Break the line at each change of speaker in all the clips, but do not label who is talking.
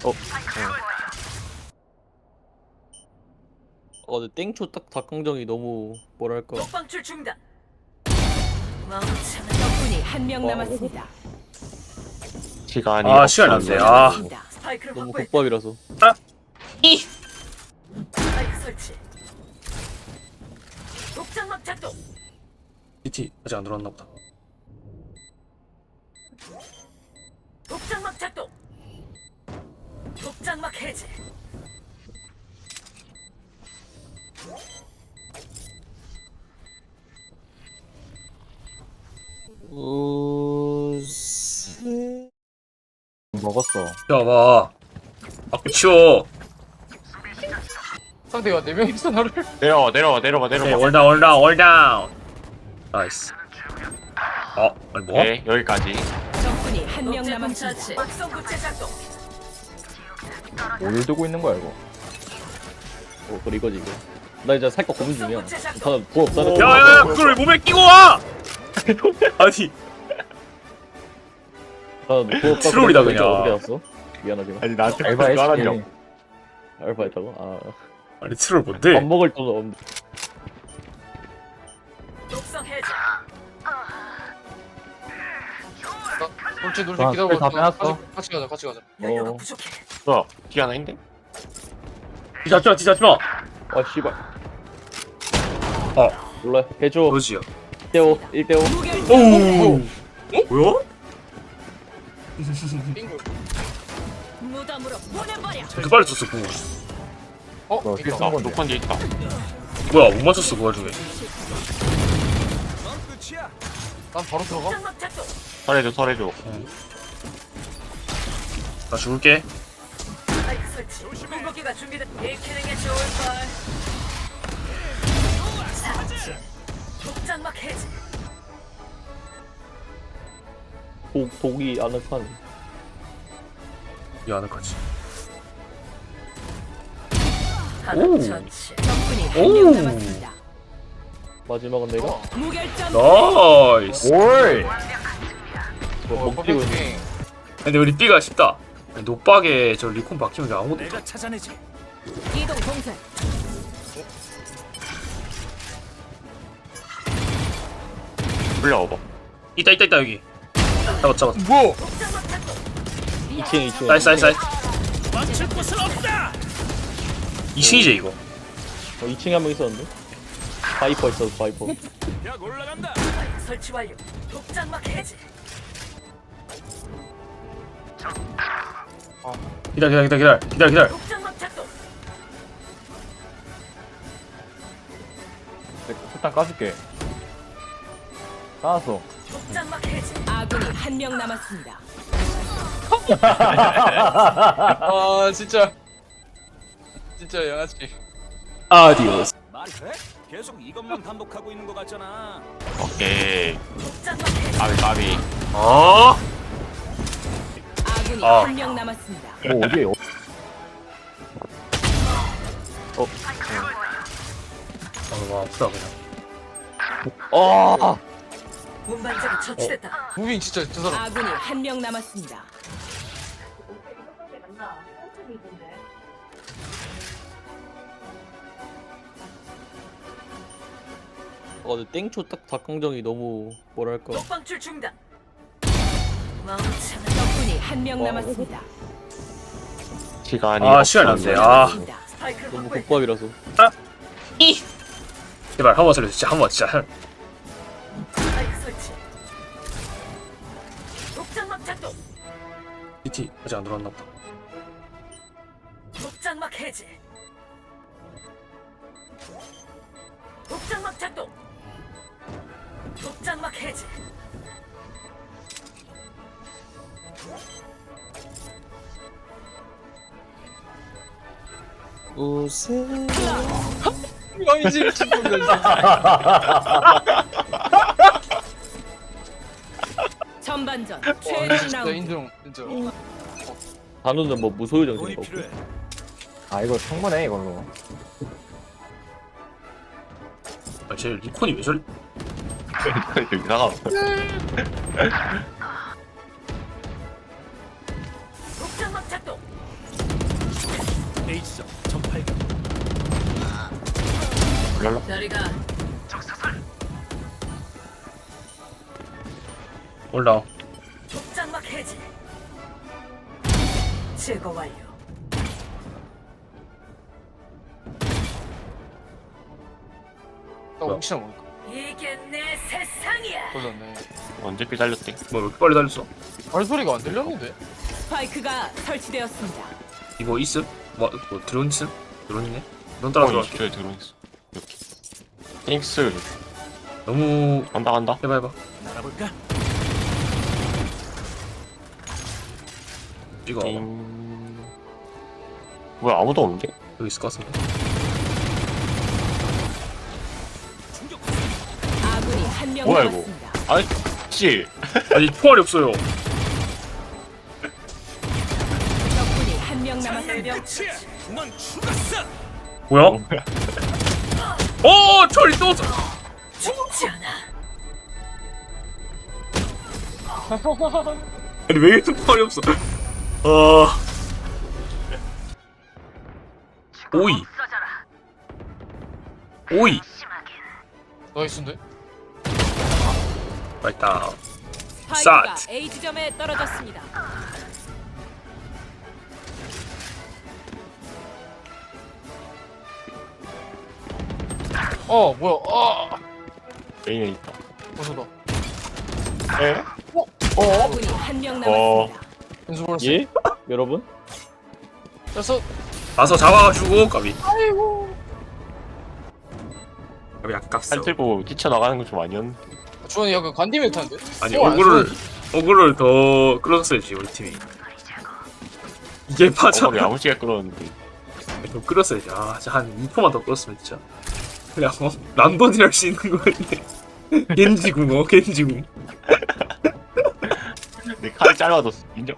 어. 근데 땡초 딱 닭강정이 너무 뭐랄까.
독방출 중단.
적군이 한 명 남았습니다.
시간이
시간 안
없어서.
돼.
스파이크를
너무
확보했다.
국밥이라서.
스파이크 설치. 독장막 작동.
CT 아직 안 들어왔나 보다.
독장막 작동. 독장막 해제.
먹었어.
야봐. 아그 치워.
상대가 4명 있어 나를.
내려봐.
오케이 월다운. 나이스. 아니 뭐?
네, 여기까지.
적군이 한 명
독재
남았습니다.
차치. 막성 구체 작동.
어딜 두고 있는 거야 이거? 그래 이거지 이거. 나 이제 살거 고민 중이야. 다 부업 없다는.
야야야 그걸 왜 몸에 끼고 와? 아니
부업
트롤이다, 그냥.
어떻게 알았어? 미안하지만.
아니 나한테
알바
그거 하라며.
했지. 알바 했다고?
아니 트롤 뭔데?
밥 먹을 돈은 없는데.
독성 해제.
돌체
아,
기다려.
다 빼놨어.
같이 가자.
여유가
어.
부족해.
뭐야? 뒤 하나 있는데?
뒤잡지마.
아 씨발.
어
몰라. 해줘.
뭐지요?
1대5 1대5.
오. 뭐야?
빙글.
무덤으로 보내버려.
이렇게 빨리 썼어 그거.
이거.
아, 녹판 뒤에 있다.
뭐야 못 맞췄어 그 와중에.
난 바로 들어가.
독장막 작동.
설해줘.
나 죽을게.
스파이크 설치. 공격기가 준비된. 익히는 게 좋을 걸. 독장막 해제.
독이 아늑한.
이 아늑하지.
하나
오.
처치.
적군이 한
오.
명 남았습니다.
마지막은 내가.
무결점.
나이스.
올.
퍼펙트
먹지고
게임.
근데 우리 B가 쉽다. 아니, 노박에 저 리콘 박히면 아무것도 없어.
이동 공세.
불려와봐.
있다 여기. 잡았어.
뭐?
독장막 작동.
2층.
나이스. 맞출 곳은 없다. 2층이지 이거.
2층에 한 명 있었는데. 바이퍼 있어 바이퍼.
스파이크 설치 완료. 독장막 해제.
기다려.
독장막 작동.
일단 까줄게. 까놨어.
독장막 해제.
아군이 한 명 남았습니다.
아 진짜 양아치.
아디오스.
말이 돼? 계속 이것만 반복하고 있는 것 같잖아.
오케이.
독장막 해제.
까비.
아군이
아.
한 명 남았습니다.
어디에요?
와 아프다 그냥.
운반자가 처치됐다.
무빙 진짜 저 사람.
아군이 한 명 남았습니다.
근데 땡초 딱 닭강정이 너무 뭐랄까.
독방출 중단. 멍청한.
적군이 한 명 남았습니다.
시간이
시간 안
없어서.
돼.
남았습니다.
스파이크를
너무
확보했다.
국밥이라서.
제발 한번 살려줘. 진짜.
스파이크 설치. 독장막 작동.
CT 아직 안 들어왔나 보다.
독장막 해제. 독장막 작동. 독장막 해제.
아니지 미친 놈이야.
전반전
와
최종
진짜
라운드.
인정 진짜.
단우는 뭐 무소유
돈이
정신이 없고.
필요해.
이거 충분해 이걸로.
쟤 리콘이 왜 저리?
이상하다.
독장막 작동.
A지점 전팔각.
올랄라.
저리가
올라와.
독장막 해지. 제거 완료.
나 혹시나 모를까.
이게 내 세상이야.
터졌네.
언제 삐달렸대?
뭐 왜 이렇게 빨리 달렸어?
발소리가 안 들렸는데?
스파이크가 설치되었습니다.
이거 있음? 뭐 드론 있음? 드론 있네? 넌 따라 들어갈게.
20초에 들어있어. 이렇게. 띵스.
너무
간다.
해봐.
날아볼까?
이거
뭐야 아무도 없는데?
여기 있을 것 같은데.
아군이 한 명
뭐야, 이거?
남았습니다.
아이 씨.
아니 총알이 없어요.
적군이 한 명 남았습니다.
끝이야. 넌 죽었어.
뭐야? 오 총알이 또 없어.
죽지 않아.
아니 왜 이렇게 총알이 없어? 오이.
나이스인데?
맞다.
스파이크가
샷.
A 지점에 떨어졌습니다.
뭐야.
메인에 있다.
어서다.
에?
아군이 한 명 남았습니다.
연수 벌었어.
예? 여러분?
그래서
가서 잡아가지고 까비. 까비 아깝어.
팔 들고 뛰쳐나가는 건 좀 아니었는데.
주원이 약간 관디 멘트인데?
아니
안
어그를 더 끌었어야지 우리 팀이. 이게 맞아.
어머니 야무지게 끌었는데.
더 끌었어야지. 진짜 한 2%만 더 끌었으면 진짜. 그냥 람돈이 할 수 있는 거였네. 겐지궁 겐지궁.
내 칼이 짧아졌어. 인정.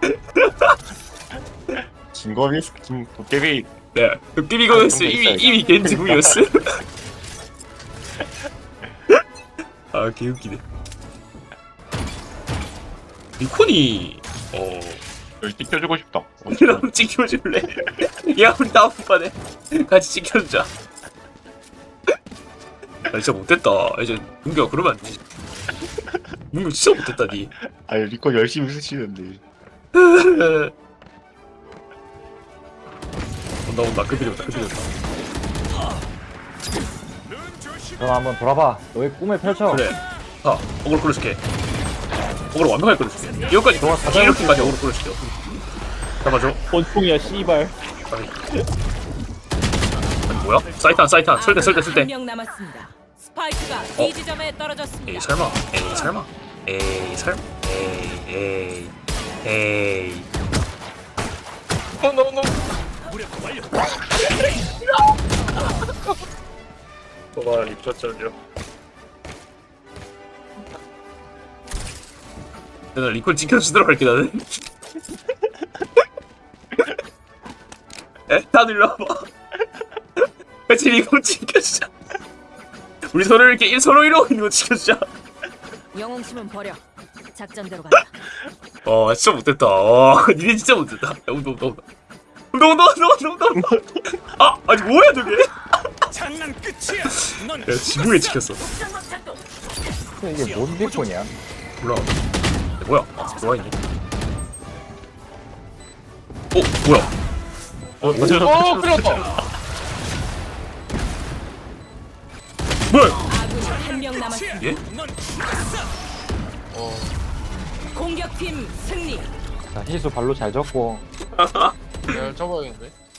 진검이 도깨비.
네. 도깨비거였어. 이미 겐지궁이었어. 개웃기네. 리콘이
여기 뛰켜주고 싶다.
나도 찍혀줄래? 야 우리 다음번에 같이 찍혀주자. 진짜 못됐다. 이제 문규가 그러면 안 되지. 문규 진짜 못됐다 니.
아니 리코 열심히 쓰시는데.
온다 급이 됐다.
그럼 한번 돌아봐. 너의 꿈을 펼쳐.
그래. 어그로 끌어줄게. 어그로 완벽하게 끌어줄게. 여기까지 이렇게까지 어그로 끌어줄게. 잡아줘.
권총이야 씨발.
아니 뭐야? 사이탄 설대.
한 명 남았습니다. 스파이크가 B 지점에 떨어졌습니다.
에이 설마. 에이.
너무
무력 완료.
뭐가 입혔잖여. 내가 리콜 지켜주도록 할게 나는. 다들 일로 와봐. 같이 리콜 지켜주자. 우리 서로 이렇게 서로 이러고 있는 거 지켜주자.
영웅심은 버려. 작전대로 간다.
진짜 못됐다. 니네 진짜 못됐다. 온다. 아니 뭐야 저게?
장난 끝이야. 넌
야 지붕에 찍혔어.
독장막 작동.
이게 뭔 리콘이야?
몰라. 뭐야? 들어와 있네. 뭐야?
끌렸다.
뭐야?
아군이 한 명 남았습니다.
예?
넌 죽었어.
공격팀 승리.
자, 희수 발로 잘 접고.
내가 잡아야겠는데?